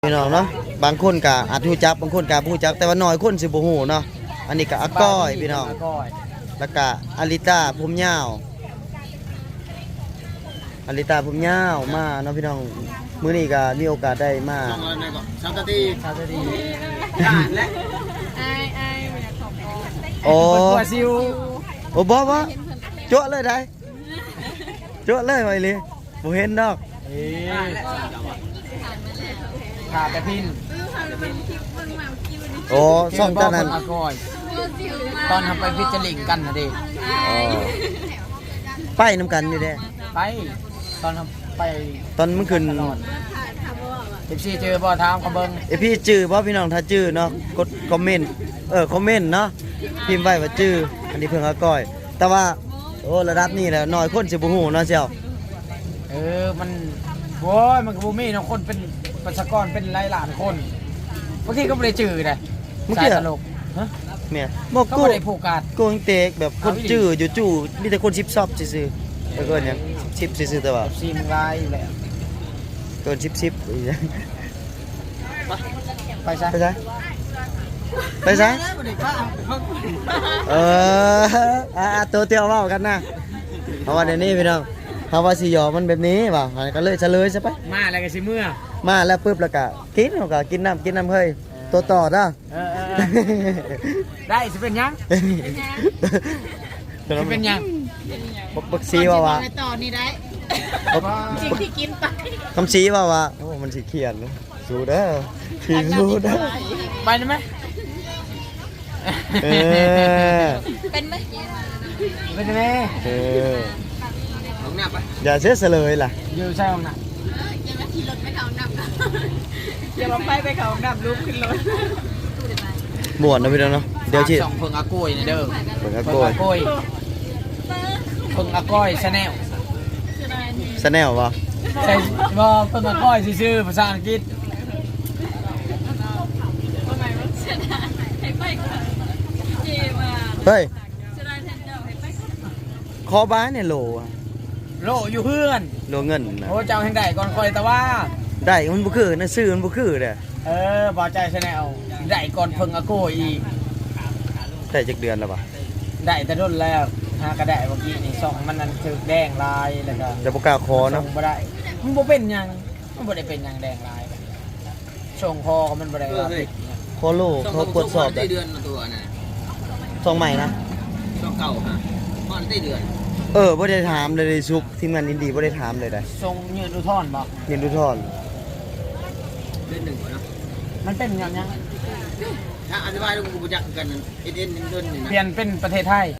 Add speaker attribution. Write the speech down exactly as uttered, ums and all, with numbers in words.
Speaker 1: พี่น้องเนาะบางคนก็อาจรู้จักบางคนก็บ่รู้จักแต่ว่าน้อยคนสิบ่ฮู้เนาะอันนี้ก็อาก้อยพี่น้องแล้วก็อาริต้าผมยาวอาริต้าผมยาวมาเนาะพี่น้องมื้อนี้ก็มีโอกาสได้มา
Speaker 2: ช่องอะไรก่อนชาวตะดีชาวตะดีและ
Speaker 3: ไอ้ไอ้ไม่อยากขอบคุณ
Speaker 1: โอ้
Speaker 2: ตัวซิว
Speaker 1: โอ้บ่บ่จั่วเลยได้จั่วเลยไว้เลยบ่เห็นดอก
Speaker 2: ขาแต่พิน
Speaker 1: โอ้ซ่อมเจ้านั้น
Speaker 2: ตอนทำไปพิจลิงกันนะดิ
Speaker 1: ไปนำกันนี่แหละ
Speaker 2: ไปตอนทำไป
Speaker 1: ตอนมันขึ้น
Speaker 2: เอฟซีเจอบ่ถามกับเบิ้ง
Speaker 1: เอพี่จื้อบ่พี่น้องถ้าจื้อเนาะกดคอมเมนต์เออคอมเมนต์เนาะพิมพ์ไว้ว่าจื้ออันนี้เพิ่งอาก้อยแต่ว่าโอ้ระดับนี้แหละน้อยคนสิบ่ฮู้เนาะเสี่ยว
Speaker 2: เออมันโว้ยมันก็บ่มีเนาะคนเป็นประชากรเป็นหลายล้านคนบางทีก็บ่ได้จื้อได้สายตลกฮะ
Speaker 1: แม่บ่กู
Speaker 2: บ่ได้ผูกขาด
Speaker 1: กูเตกแบบคนจื้ออยู่จู่มีแต่คนสิบซอบซื่อๆแล้วก็หยังสิบซื่อๆแต่ว่า
Speaker 2: ซีมลายอยู่แล้ว
Speaker 1: เกินสิบ สิบอีหยัง
Speaker 2: ไปซะ
Speaker 1: ไปซะไปซะเอออ่ะตัวเตียวเว้ากันนะเพราะว่าเดี๋ยวนี้พี่น้องเฮาว่าสิยอมันแบบนี้ว่ะก็เลยเฉลยซะไป
Speaker 2: มาแล้วก็สิเมื่อ
Speaker 1: มาแล้วปึ๊บแล้วก็กินเฮาก็กินน้ำกินน้ำเฮ้ยตัวต่อเด้อ
Speaker 2: เออๆได้สิเป็นหยังสิเป็นหยัง
Speaker 1: บักซีว่าว่า
Speaker 3: ต่อนี่ได้จริงที่กินไป
Speaker 1: คำซีว่าว่าโอ้มันสิเขียนสู้เด้อพี่สู้เด้อ
Speaker 2: ไปได้ไหม
Speaker 1: เออ
Speaker 3: เป็นไหม
Speaker 2: เป็นไหม
Speaker 1: เออ
Speaker 2: ห้องน้ำไป
Speaker 1: อย่าเสียเฉลยล่ะ
Speaker 2: อยู่ใช่ห้องน้ำ
Speaker 3: ยังมาขี่รถไปเขาน้ำยังมาไปไปเขาน้ำลุกขึ้นรถ
Speaker 1: ม่วนนะพี่น้องเนาะเดี๋ยวชิ
Speaker 2: สองเพิ่งอากุ้ยนี่เด้อ
Speaker 1: เพิ่งอา
Speaker 2: กุ้
Speaker 1: ย
Speaker 2: เพิ่งอาก้อยชาแนล
Speaker 1: ชาแนลป่ะ
Speaker 2: ใช่บ่เพิ่งอาก้อยชื่อภาษาอังกฤษ
Speaker 1: เฮ้ยคอบ้านเนี่ยโหล
Speaker 2: โลอยู่เพื่อน
Speaker 1: โหลเงินนะ
Speaker 2: โอ้เจ้าแห่งใดก่อนคอยแต่ว่า
Speaker 1: ได้มันบ่คือนะซื้อมันบ่คือเด้อ
Speaker 2: เออบ่ใจชาแนลได้ก่อนเพิ่งอากุ้ยอีก
Speaker 1: ได้จักเดือนแล้วป่ะ
Speaker 2: ได้แต่รุ่นแล้วหากระได้เมื่อกี้นี่สองมันนั่นถึกแดงลายแล้วก็
Speaker 1: จะบ่กล้าขอเนาะ
Speaker 2: บ่ได้มันบ่เป็นหยังมันบ่ได้เป็นหยังแดงลายส่งคอก็มันบ่ได้รับ
Speaker 1: ขอโลเขาตรวจสอบได้
Speaker 2: เดือนตัวน่ะ
Speaker 1: สองใหม่นะ
Speaker 2: สองเก่าฮะพอได้เดือน
Speaker 1: เออบ่ได้ถามเลยซุกทีมงานอินดีบ่ได้ถามเลยได้
Speaker 2: ส่งยืนดูท่อนบ่
Speaker 1: ยืนดูท่อน
Speaker 2: เดือนหนึ่งเนาะมันเป็นหยังยังถ้าอธิบายดูกูบ่จักกันเอ็นเอ็นเดือนนี่นะเปลี่ยนเป็นประเทศไทย